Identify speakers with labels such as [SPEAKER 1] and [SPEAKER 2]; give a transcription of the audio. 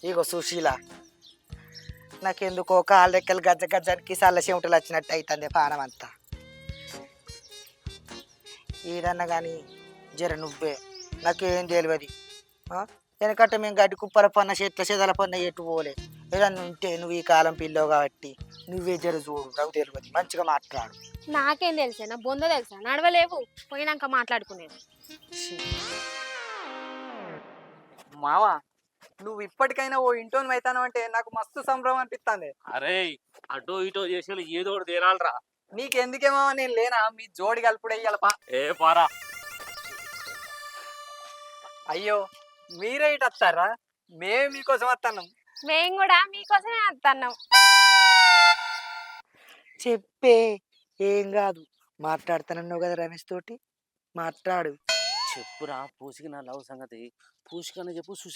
[SPEAKER 1] ఇగో సుశీల, నాకెందుకో కాళ్ళ రెక్కలు గజ్జ గజ్జానికి సల్ల చెమటలు వచ్చినట్టు అవుతుంది పానం అంతా. ఏదన్నా కానీ జర నువ్వే, నాకేం తెలియదు. వెనకట్ట మేము గడ్డి కుప్పల పన్న చెట్ల చెదల పన్న ఎటు పోలే. ఏదన్నా ఉంటే నువ్వు ఈ కాలం పిల్లవు కాబట్టి నువ్వే జర చూడు, నాకు తెలియదు, మంచిగా మాట్లాడు.
[SPEAKER 2] నాకేం తెలుసా, నా బొంద తెలుసా, నడవలేవు, పోయినాక మాట్లాడుకునేది.
[SPEAKER 1] ఛీ,
[SPEAKER 3] మావా, నువ్వు ఇప్పటికైనా ఓ ఇంటోని అవుతాను అంటే నాకు మస్తు సంభ్రమం అనిపిస్తుంది.
[SPEAKER 4] అరే అటో ఇటో చేసి ఏదో ఒకటి తేరాలరా.
[SPEAKER 3] నీకెందుకేమో నేను లేనా, మీ జోడి కలుపుడే ఇయ్యాలపా.
[SPEAKER 4] ఏ పారా,
[SPEAKER 3] అయ్యో మీరే ఇటు వస్తారా, మేమే మీకోసం వస్తున్నాం.
[SPEAKER 2] మేము కూడా మీకోసమే వస్తున్నాం.
[SPEAKER 1] చెప్పే, ఏం కాదు, మాట్లాడుతానన్నావు కదా రమేష్ తోటి, మాట్లాడు.
[SPEAKER 4] చెప్పురా పూసికి నా లవ్ సంగతి. పూసికనే చెప్పు,